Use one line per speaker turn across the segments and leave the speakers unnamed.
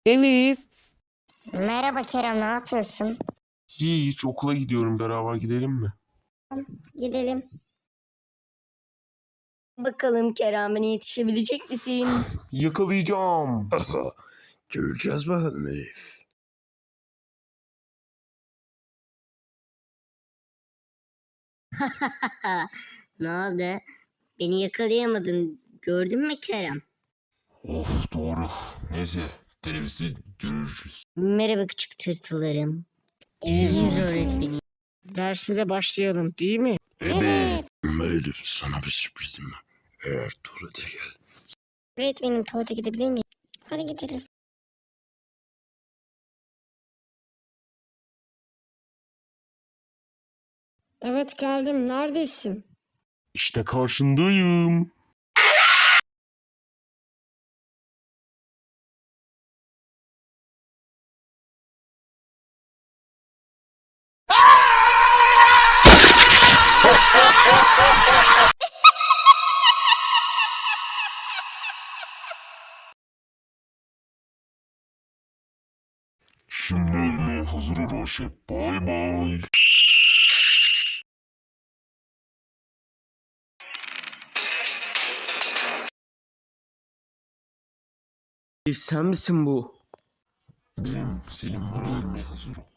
Elif.
Merhaba Kerem, ne yapıyorsun?
Hiç okula gidiyorum, beraber gidelim mi?
Gidelim.
Bakalım Kerem'e yetişebilecek misin?
Yakalayacağım.
Göreceğiz bakalım Elif.
Ne oldu? Beni yakalayamadın. Gördün mü Kerem?
Of, doğru. Neyse, teneffüste görürüz.
Merhaba küçük tırtıllarım. Yüz öğretmeni.
Dersimize başlayalım değil mi?
Evet.
Ama Elif sana bir sürprizim var. Eğer tuvalete gel.
Öğretmenim, tuvalete gidebilir miyim? Hadi gidelim.
Evet geldim. Neredesin?
İşte karşındayım. Şimdi ölmeye hazır ol Raşet. Bay bay.
Sen misin bu?
Benim Selim var, ölmeye hazır ol.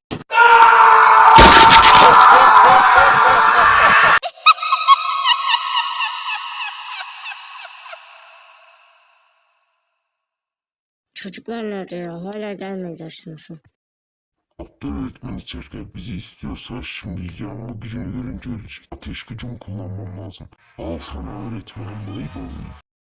Çocuklar nerede ya? Hala gelmediler sınıfa.
Aptal öğretmen içeride bizi istiyorsa şimdi yanma gücünü görünce ölecek. Ateş gücümü kullanmam lazım. Al sana öğretmen, bay bay.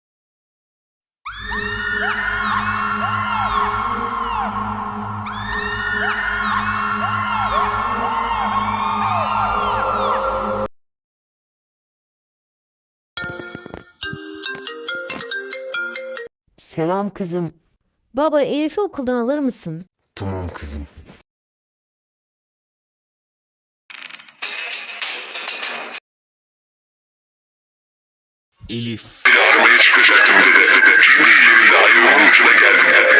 Selam kızım. Baba, Elif'i okuldan alır mısın?
Tamam kızım. Elif.
Yardıma çıkacaktım dedi. Şimdi daha yolun ucuna geldim.